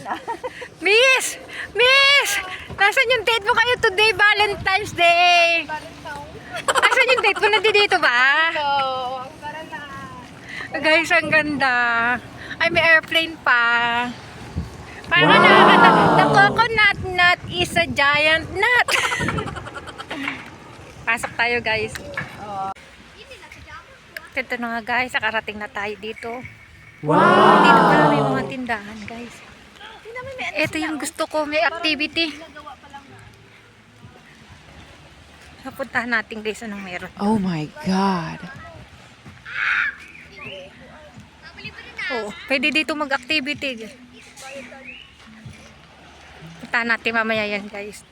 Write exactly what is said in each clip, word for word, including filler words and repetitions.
niya. Miss! Miss! Nasaan yung date mo kayo today, Valentine's Day? Nasaan yung date mo? Nandito ba? So, tara na. Guys, ang ganda. Ay, may airplane pa. Parang wow. na, na, the coconut nut is a giant nut. Pasok tayo, guys. Oh. Ito na nga, guys. Nakarating na tayo dito. Wow! Dito pala may mga tindahan, guys. Ito yung gusto ko. May activity. Napuntahan natin, guys. Anong meron? Oh my God. Oh, pwede dito mag-activity. Puntahan natin mamaya yan, guys.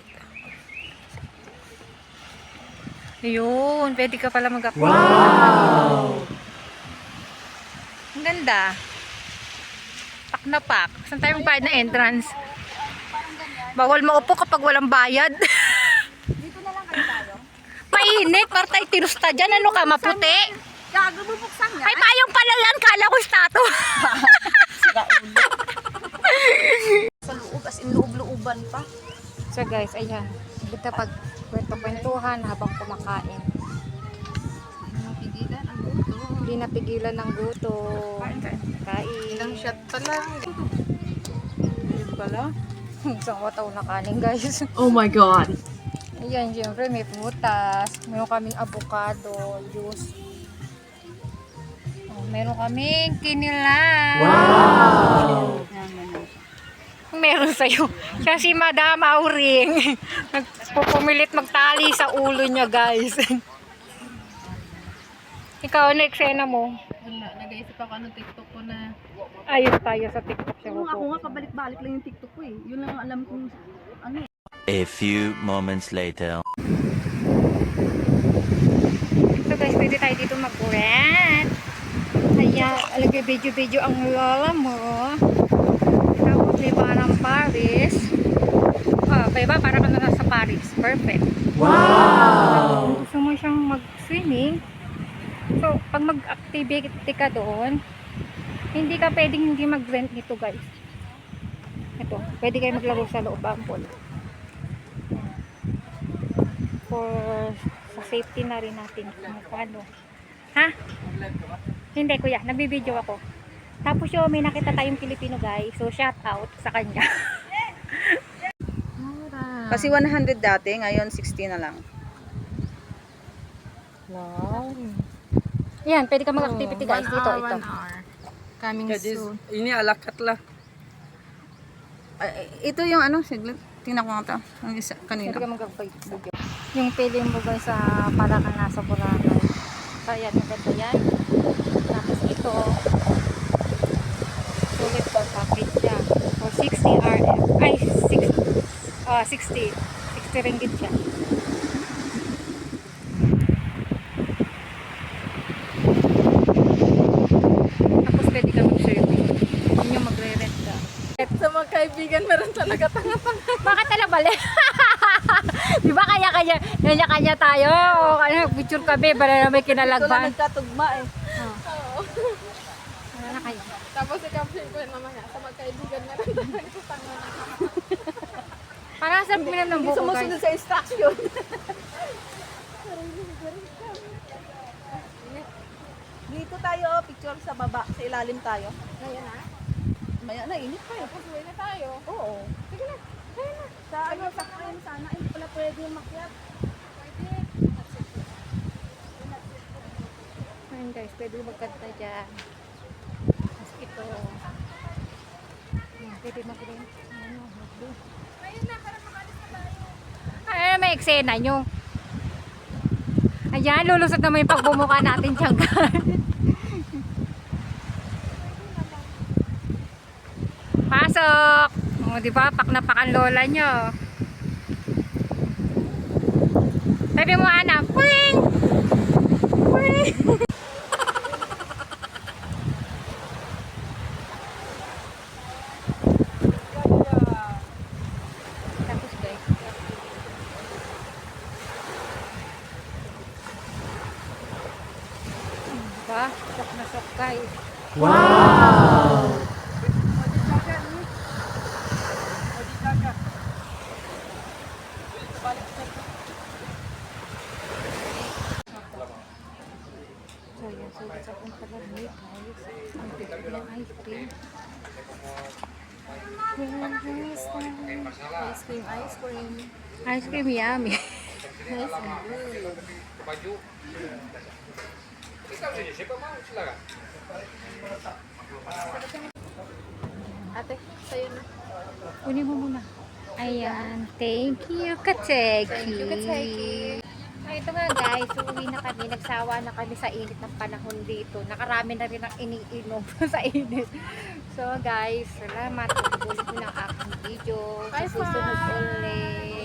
Ayun, pwede ka pala mag-activity. Wow! Ang ganda. Pak na pak. Saan tayo magbayad na entrance? Bawal maupo kapag walang bayad. Dito na lang kayo tayo. Mainit, para tayo tinusta dyan. Ano ka, maputi? Gago, bubuksan nga. Ay, payong pala yan. Kala ko stato. Sira ulo. Sa loob, as in loob-looban pa. So guys, ayan. Dito pag kwento-kwentuhan habang kumakain. Napigilan ang gusto. Hindi napigilan ng guto. Kain. Ilang shot pa lang. Yun pala. Isang wataw na kanin, guys. Oh my God. Ayan, syempre may prutas. Meron kaming avocado, juice. Oh, meron kaming kinilaw. Wow! Meron sa'yo. Siya si Madam Auring. Nagpupumilit magtali sa ulo niya, guys. Ikaw, ano eksena mo? Wala, nag-iisip ako ano TikTok ko na. Ayos tayo sa TikTok siya. Oo, ako nga pabalik-balik lang yung TikTok ko eh. Yun lang ang alam kong ano eh. A few moments later. So guys, pwede tayo dito mag-rent. Kaya, alagay video-video ang lola mo. Tapos may parang Paris. Ah, kaya ba? Parang ka na nasa Paris. Perfect. Wow! Gusto mo siyang mag-swimming. So, pag mag-activity ka doon, hindi ka pwedeng hindi mag-rent nito, guys. Ito, pwede kayo maglaro sa loob ang pool. For sa safety na rin natin kung paano. Ha? Hindi, kuya, nagbibideo ako. Tapos yung may nakita tayong Pilipino, guys. So, shout out sa kanya. Kasi one hundred dati, ngayon sixty na lang. Wow. Yan, pwede ka mag-activity, guys. Dito, ito. Coming soon. Ini alakat lah. Ay, ito yung ano, siglit. Tingnan ko nga ito. Ang isa, kanina. Pwede ka mag-video. Yung pili mo, guys, sa para ka nasa Boracay. So, yan, maganda yan. Tapos ito, sulit po package siya. For sixty R M. Ay, sixty. Ah, sixty. sixty ringgit siya. Tapos pwede ka mag-survey. Yun yung magre-rent ka. Sa mga kaibigan, meron talaga tanga-tanga. Bakit tala bali? Di ba kanya-kanya, kanya-kanya tayo? O ano, picture kami, para na may Ito lang kinalagban. nagkatugma eh. Oh. Ano na kayo? Tapos i-caption ko yun mamaya sa magkaibigan na rin talaga tanga na. Para sa minam ng Hindi buko, guys. sumusunod sa instruction. Dito tayo, oh, picture sa baba, sa ilalim tayo. Ngayon na? Maya na, init pa eh. Tapos uwi na tayo. Oo. Sige na. Kaya na. Sa ano, sa kain sana, hindi pala pwede yung makyat. Pwede. Ayun guys, pwede magkanta dyan. Tapos ito. Ayan, pwede mag-rent. Ano, mag-rent. Ngayon na, para makalis na tayo. Ay, may eksena nyo. Ayan, lulusot naman yung pagbumuka natin dyan, guys. Pasok! O, di ba? Pak na pak ang lola nyo. Sabi mo, Ana, puwing! Puwing! Tapos, guys. Diba? Sok na sok, guys. Wow! Ice cream, ice cream. Ice cream yummy. Nice and good. Ate, sa'yo na. Kunin mo muna. Ayan. Thank you, Kateki. Thank you, Kateki. Ay, ito nga guys, uwi na kami. Nagsawa na kami sa init ng panahon dito. Nakarami na rin ang iniinom sa init. So guys, salamat. Ulit ko ng aking video. Sa Bye, susunod bye. ulit.